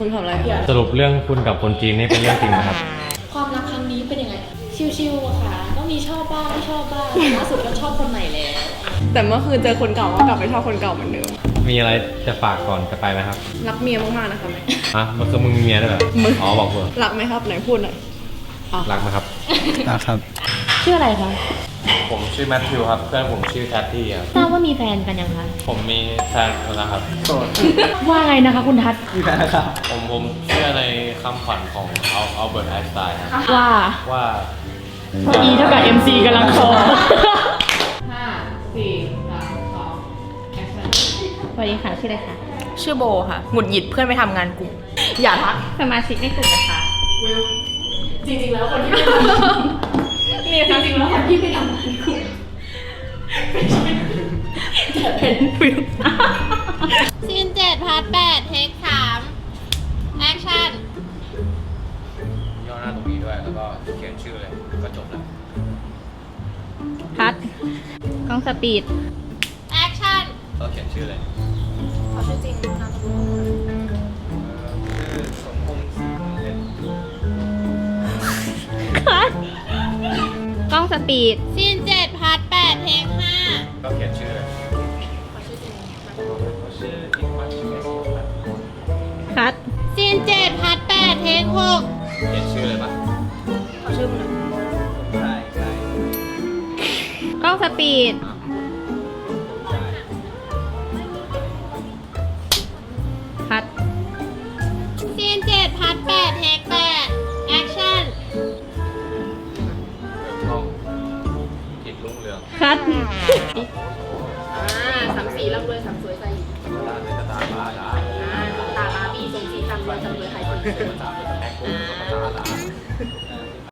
คุณทำอะไรสรุปเรื่องคุณกับคนจีนนี่เป็นเรื่องจริงนะครับความรักครั้งนี้เป็นยังไง ชิวๆอะค่ะ ก็มีชอบบ้างไม่ชอบบ้างล่าสุดก็ชอบคนใหม่แล้วแต่เมื่อคืนเจอคนเก่าก็กลับไปชอบคนเก่าเหมือนเดิมมีอะไรจะฝากก่อนจะไปไหมครับรักเมียมากๆนะคะแม่มันคือมึงมีเมียด้วยเหรอมึงอ๋อบอกเพื่อรักไหมครับไหนพูดหน่อยรักไหมครับครับชื่ออะไรคะผมชื่อแมทธิวครับ เพื่อนผมชื่อแทตตี้ครับทราบว่ามีแฟนกันยังคะผมมีแฟนแล้วครับว่าไงนะคะคุณทัศน์มีแฟนแล้วครับผมเชื่อในคำขวัญของอัลเบิร์ตไอน์สไตน์ครับว่าว่า E เท่ากับ MC กำลังโต สวัสดีค่ะชื่ออะไรคะชื่อโบค่ะ หงุดหงิดเพื่อนไปทำงานกลุ่ม อย่าทักสมาชิกในกลุ่มนะคะจริงๆแล้วคนที่ไม่ทำนี่จริงๆแล้วคนที่ไม่ทำงานกลุ่มจะเป็นฟิลซีน7 พาร์ท 8 เทค 3 แอคชั่นย่อหน้าตรงนี้ด้วย แล้วก็เขียนชื่อเลย ก็จบแล้วพัดกล้องสปีดแอคชั่นก็เขียนชื่อเลยเขาชื่อจริงนามสกุลชื่อสมพงษ์ศรีเล่นคัดกล้องสปีดซีน7 พาร์ท 8 เทค 5 ก็เขียนชื่อเลยชื่ออีกวันชื่อเอสครับคัดซีน7 พาร์ท 8 เทค 6 เขียนชื่อเลยปะเขาชื่อมึงใช่ใช่กล้องสปีดใช่คัดซีน7 พาร์ท 8 เทค 8 แอคชั่นช่องกิจรุ่งเรืองคัด 34ร่ำรวยสามสวยใส่ตาเป็นตาบ้าด่าตาบาบีทรงสีทำรวยจำรวยไทยคนตาเป็นตาแพ็คโกงตาด่า